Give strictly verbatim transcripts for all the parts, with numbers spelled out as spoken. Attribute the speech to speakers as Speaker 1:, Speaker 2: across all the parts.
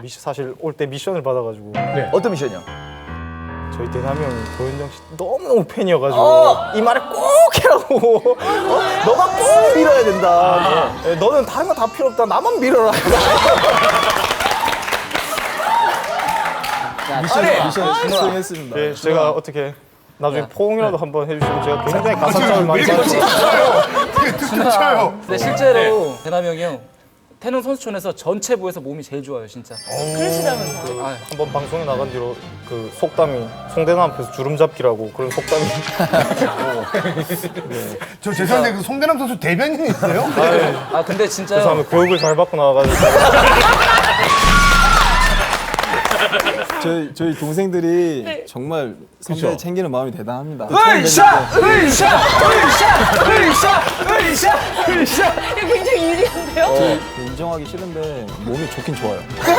Speaker 1: 미션, 사실 올 때 미션을 받아가지고
Speaker 2: 네. 어떤 미션이요?
Speaker 1: 저희 대남이 형이 고현정 씨 너무너무 팬이어가지고
Speaker 2: 어!
Speaker 1: 이 말을 꼭 해라고 어? 너가 꼭 밀어야 된다. 아. 네, 너는 다른 거 다 필요 없다. 나만 밀어라.
Speaker 3: 미션 미션 수행했습니다.
Speaker 1: 네, 제가 어떻게 나중에
Speaker 4: 야.
Speaker 1: 포옹이라도 한번 해주시면 제가 굉장히 가산점을 많이 받을
Speaker 2: 쳐요.
Speaker 4: 근데 실제로 대남이 형이 형 태릉 선수촌에서 전체부에서 몸이 제일 좋아요, 진짜.
Speaker 5: 그러시다면서요?
Speaker 4: 아,
Speaker 1: 한번 방송에 나간 뒤로 그 속담이 송대남 앞에서 주름 잡기라고 그런 속담이
Speaker 2: 저 죄송한데 그 송대남 선수 대변인이 있어요?
Speaker 4: 아 근데 진짜요.
Speaker 1: 그래서 교육을 잘 받고 나와가지고
Speaker 3: 저희 저희 동생들이
Speaker 5: 네.
Speaker 3: 정말 선배
Speaker 2: 그쵸?
Speaker 3: 챙기는 마음이 대단합니다.
Speaker 2: 으쌰! 으쌰! 으쌰! 으쌰! 으쌰! 으쌰!
Speaker 5: 이거 굉장히 유리한데요?
Speaker 3: 저 인정하기 싫은데 몸이 좋긴 좋아요.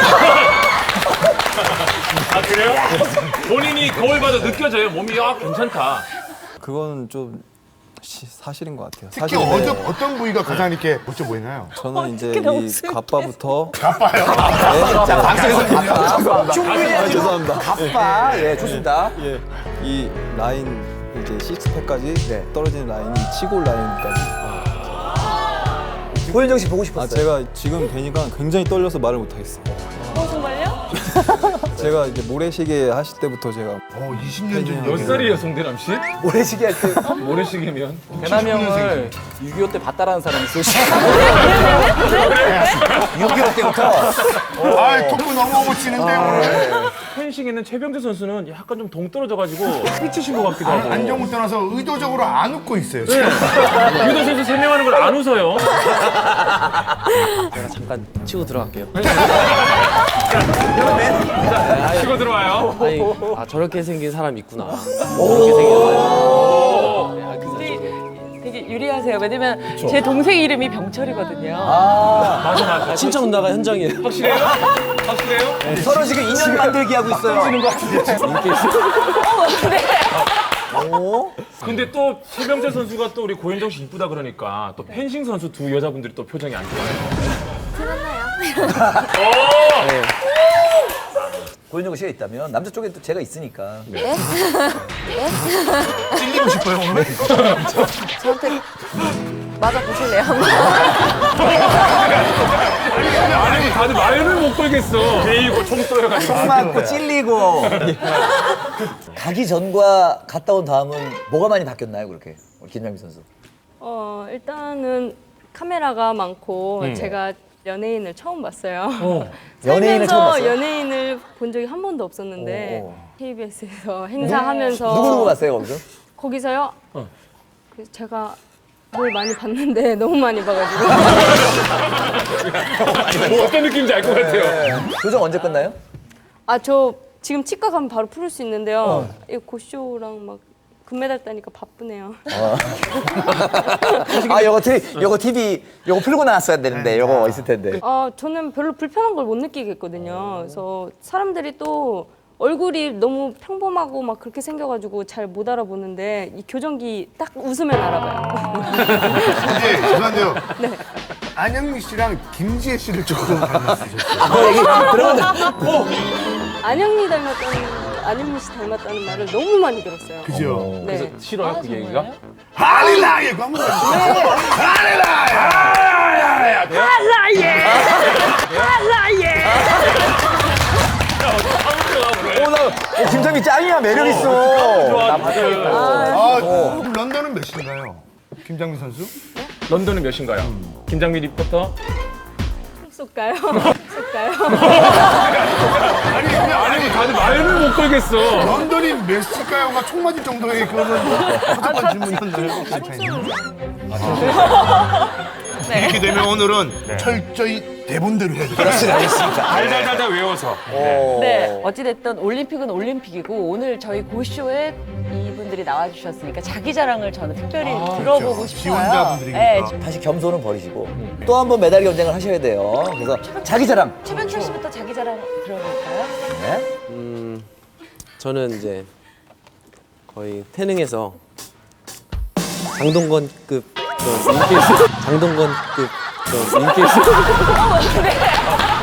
Speaker 6: 아 그래요? 본인이 거울 봐도 느껴져요. 몸이 아 괜찮다.
Speaker 3: 그건 좀 시, 사실인 것 같아요.
Speaker 2: 특히
Speaker 3: 사실인데
Speaker 2: 어떤, 어떤 부위가 가장 이렇게 멋져 보이나요?
Speaker 3: 저는 이제
Speaker 5: 어떡해, 너무
Speaker 3: 이
Speaker 5: 슬퍼.
Speaker 3: 가빠부터
Speaker 2: 가빠요.
Speaker 3: 자,
Speaker 2: 방송에서 가빠.
Speaker 3: 충분히 아, 죄송합니다.
Speaker 2: 가빠. 예, 좋습니다.
Speaker 3: 예, 이 라인 이제 식스팩까지 떨어지는 라인이 치골 라인까지.
Speaker 2: 고현정 씨 보고
Speaker 3: 아
Speaker 2: 싶었어요.
Speaker 3: 제가 지금 뵈니까 굉장히 떨려서 말을 못 하겠어요.
Speaker 5: 어, 정말요?
Speaker 3: 제가 이제 모래시계 하실 때부터 제가
Speaker 2: 어, 이십 년 전
Speaker 6: 몇
Speaker 2: 얘기를.
Speaker 6: 살이에요, 송대남 씨?
Speaker 2: 모래시계 할 때.
Speaker 6: 모래시계면?
Speaker 4: 대남이 형을 육이오 때 봤다라는 사람이 있어요.
Speaker 2: 육개월 때부터. 아, 토크 너무 멋지는데 오늘.
Speaker 6: 펜싱에는 최병재 선수는 약간 좀 동떨어져가지고 삐치신 것 같기도 하고.
Speaker 2: 안정을 떠나서 의도적으로 안 웃고 있어요. 지금.
Speaker 6: 유도 선수 설명하는 걸 안 웃어요.
Speaker 7: 제가 잠깐 치고 들어갈게요.
Speaker 6: 치고 들어와요.
Speaker 7: 아니, 아 저렇게 생긴 사람 있구나. 저렇게 생긴 사람. 네, 아, 그래서
Speaker 5: 되게, 되게 유리하세요. 왜냐면 제 동생 이름이 병철이거든요.
Speaker 6: 맞아 맞아.
Speaker 7: 친척 누나가 현장이에요.
Speaker 6: 확실해요? 확실해요?
Speaker 2: 서로 지금 인연 만들기 하고 있어요.
Speaker 6: 근데 또 최병재 선수가 또 우리 고현정 씨 이쁘다 그러니까 또 펜싱 선수 두 여자분들이 또 표정이 안 좋아요.
Speaker 2: 고현정 씨가 있다면 남자 쪽에 또 제가 있으니까.
Speaker 8: 찔리고 싶어요 오늘? 저한테 맞아 보실래요?
Speaker 6: 아니 다들 말을 못 걸겠어. 베이고 총 쏘여가지고.
Speaker 2: 총 맞고 찔리고. 가기 전과 갔다 온 다음은 뭐가 많이 바뀌었나요, 그렇게? 우리 김장미 선수.
Speaker 5: 어, 일단은 카메라가 많고 제가 연예인을 처음 봤어요.
Speaker 2: 연예인을 처음 봤어요?
Speaker 5: 연예인을 본 적이 한 번도 없었는데
Speaker 2: 오.
Speaker 5: 케이비에스에서 행사하면서
Speaker 2: 누구 누구 봤어요, 거기서?
Speaker 5: 거기서요? 그래서 제가 뭘 많이 봤는데 너무 많이 봐가지고
Speaker 6: 뭐 어떤 느낌인지 알 것 같아요.
Speaker 2: 교정 언제 끝나요?
Speaker 5: 아 저 지금 치과 가면 바로 풀을 수 있는데요. 이 고쇼랑 막 금메달 따니까 바쁘네요.
Speaker 2: 아, 요거 티비, 요거 티비, 요거 풀고 나왔어야 되는데, 요거 있을 텐데.
Speaker 5: 아 저는 별로 불편한 걸 못 느끼겠거든요. 그래서 사람들이 또 얼굴이 너무 평범하고 막 그렇게 생겨가지고 잘 못 알아보는데 이 교정기 딱 웃으면 알아봐요.
Speaker 2: 네, 죄송한데요.
Speaker 5: 네.
Speaker 2: 안영미 씨랑 김지혜 씨를 조금 닮았으셨어요.
Speaker 5: 안영미 닮았다는 안영미 씨 닮았다는 말을 너무 많이 들었어요.
Speaker 2: 그죠?
Speaker 5: 네.
Speaker 6: 싫어요 그 얘기가?
Speaker 2: 할리라예! 그거 한번 해주세요. 할리라예! 오, 나, 어, 김장미 짱이야, 매력있어. 아, 그럼 런던은 몇 시인가요? 김장미 선수?
Speaker 6: 런던은 몇인가요? 김장미 리포터?
Speaker 5: 쏠까요? 쏠까요?
Speaker 2: 아니, 그냥,
Speaker 6: 아니 다들 말을 못 걸겠어.
Speaker 2: 런던이 몇 시일까요가 총 맞을 정도의 그거는 허접한 질문이었나요? 이렇게 되면 오늘은 철저히 대본대로 해야 돼요. 그렇습니다. 알겠습니다.
Speaker 6: 달달달달 외워서.
Speaker 8: 네. 어찌됐든 올림픽은 올림픽이고 오늘 저희 고쇼에 이분들이 나와주셨으니까 자기 자랑을 저는 특별히 들어보고
Speaker 2: 그렇죠.
Speaker 8: 싶어요.
Speaker 2: 지원자분들이니까.
Speaker 8: 네,
Speaker 2: 다시 겸손은 버리시고 또 한 번 메달 경쟁을 하셔야 돼요. 그래서 자기 자랑.
Speaker 8: 최병철 씨부터 자기 자랑 들어볼까요?
Speaker 2: 네?
Speaker 7: 음, 저는 이제 거의 태능에서 장동건급 그 인기 장동건급 그 인기